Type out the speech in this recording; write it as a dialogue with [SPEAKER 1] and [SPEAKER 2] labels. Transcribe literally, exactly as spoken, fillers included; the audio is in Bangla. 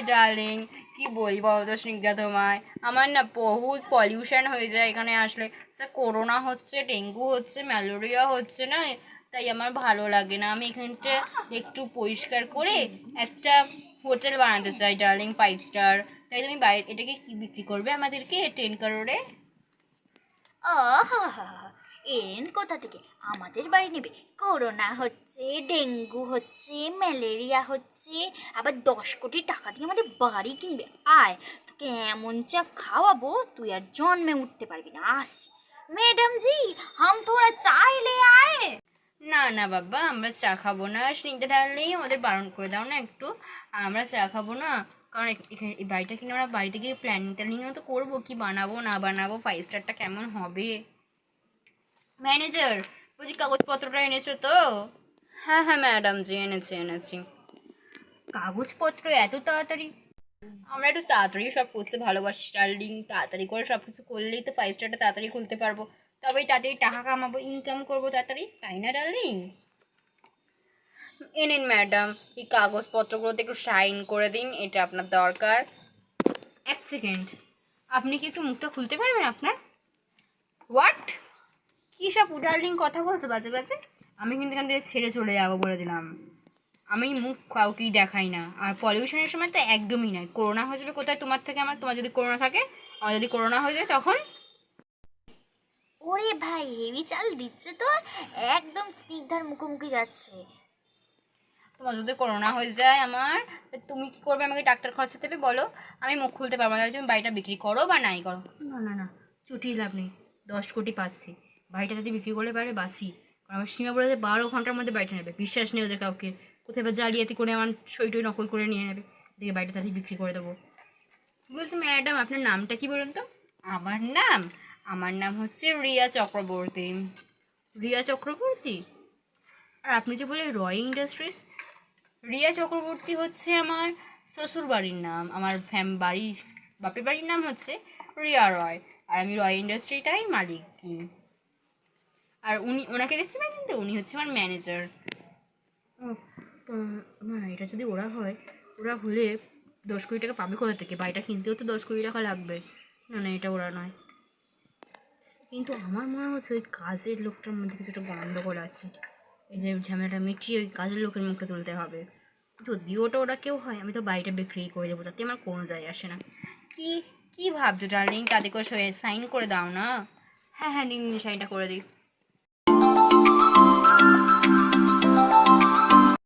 [SPEAKER 1] ডার্লিং, কি বলি বলো তো স্নিগ্ধা তোমায়, আমার না বহুত পলিউশন হয়ে যায় এখানে আসলে। করোনা হচ্ছে, ডেঙ্গু হচ্ছে, ম্যালেরিয়া হচ্ছে না, তাই আমার ভালো লাগে না। আমি এখানটা একটু পরিষ্কার করে একটা হোটেল বানাতে চাই ডার্লিং, ফাইভ স্টার। তাই তুমি বাইরে এটাকে কি বিক্রি করবে আমাদেরকে টেন কারোরে?
[SPEAKER 2] আহা! এলেন কোথা থেকে? আমাদের বাড়ি নেবে? করোনা হচ্ছে, ডেঙ্গু হচ্ছে, ম্যালেরিয়া হচ্ছে, আবার দশ কোটি টাকা দিয়ে আমাদের বাড়ি কিনবে। আয়, তোকে এমন চা খাওয়াবো তুই আর জন্মে উঠতে পারবি না। আসছি। ম্যাডাম জি, হাম থোড়া চায় লে আয়ে।
[SPEAKER 1] না না বাবা, আমরা চা খাবো না। স্নিগ্ধা ডার্লিং, আমাদের বারণ করে দাও না একটু, আমরা চা খাবো না। কারণ এখানে এই বাড়িটা কিনে আমরা বাড়িতে গিয়ে প্ল্যানিং ট্যানিংও তো করবো, কি বানাবো না বানাবো, ফাইভ স্টারটা কেমন হবে। ম্যানেজার, বুঝি কাগজপত্রটা এনেছো তো? হ্যাঁ হ্যাঁ ম্যাডাম জি, এনেছি এনেছি। কাগজপত্র এত তাড়াতাড়ি? আমরা একটু তাড়াতাড়ি সব করতে ভালোবাসি ডার্লিং, তাড়াতাড়ি করে সব কিছু করলেই তো ফাইভ স্টারটা তাড়াতাড়ি খুলতে পারবো, তবেই তাড়াতাড়ি টাকা কামাবো, ইনকাম করবো তাড়াতাড়ি, তাই না ডার্লিং? এ নিন ম্যাডাম, এই কাগজপত্রগুলোতে একটু সাইন করে দিন, এটা আপনার দরকার। এক সেকেন্ড, আপনি কি একটু মুখটা খুলতে পারবেন আপনার? হোয়াট? কী সব ডার্লিং কথা বলতে বাজে বাজে? আমি কিন্তু এখান থেকে ছেড়ে চলে যাবো বলে দিলাম। আমি মুখ কাউকেই দেখাই না, আর পলিউশনের সময় তো একদমই নয়। করোনা হয়ে যাবে কোথায় তোমার থেকে আমার? তোমার যদি করোনা থাকে, আমার যদি করোনা হয়ে যায় তখন?
[SPEAKER 2] ওরে ভাই, হেভি চাল দিচ্ছে তো, একদম স্নিগ্ধার মুখোমুখি যাচ্ছে।
[SPEAKER 1] তোমার যদি করোনা হয়ে যায় আমার, তুমি কি করবে? আমাকে ডাক্তার খরচা দেবে বলো? আমি মুখ খুলতে পারবো না, তুমি বাড়িটা বিক্রি করো বা নাই করো। না না না, চুটিয়ে লাভ নেই, দশ কোটি পাচ্ছি, বাড়িটা যদি বিক্রি করলে বাইরে বাঁচি। কারণ আমার সীমা বলে যে বারো ঘন্টার মধ্যে বাড়িটা নেবে, বিশ্বাস নেই ওদের কাউকে, কোথায় বা জালিয়াতি করে আমার সই টই নকল করে নিয়ে নেবে, দেখে বাড়িটা তাদের বিক্রি করে দেবো। বলছি ম্যাডাম, আপনার নামটা কি বলুন তো? আমার নাম, আমার নাম হচ্ছে রিয়া চক্রবর্তী। রিয়া চক্রবর্তী? আর আপনি যে বলে রয় ইন্ডাস্ট্রিজ, রিয়া চক্রবর্তী হচ্ছে আমার শ্বশুর বাড়ির নাম। আমার ফ্যাম বাড়ি, বাপের বাড়ির নাম হচ্ছে রিয়া রয়, আর আমি রয় ইন্ডাস্ট্রিটাই মালিক। আর উনি, ওনাকে দেখছি না কিন্তু, উনি হচ্ছে আমার ম্যানেজার। ও না, এটা যদি ওরা হয়, ওরা হলে দশ কোটি টাকা পাবে কোথা থেকে? বাড়িটা কিনতেও তো দশ কোটি টাকা লাগবে। না না, এটা ওরা নয়। কিন্তু আমার মনে হচ্ছে ওই কাজের লোকটার মধ্যে কিছুটা গন্ডগোল আছে। এই যে ঝামেলাটা মিটিয়ে ওই কাজের লোকের মুখে তুলতে হবে। যদি ওটা ওরা কেউ হয়, আমি তো বাড়িটা বিক্রি করে দেবো, তাতে আমার কোনো যায় আসে না। কি কি ভাবছো ডার্লিং? তাদের করে সাইন করে দাও না। হ্যাঁ হ্যাঁ, দিন দিন সাইনটা করে দিই।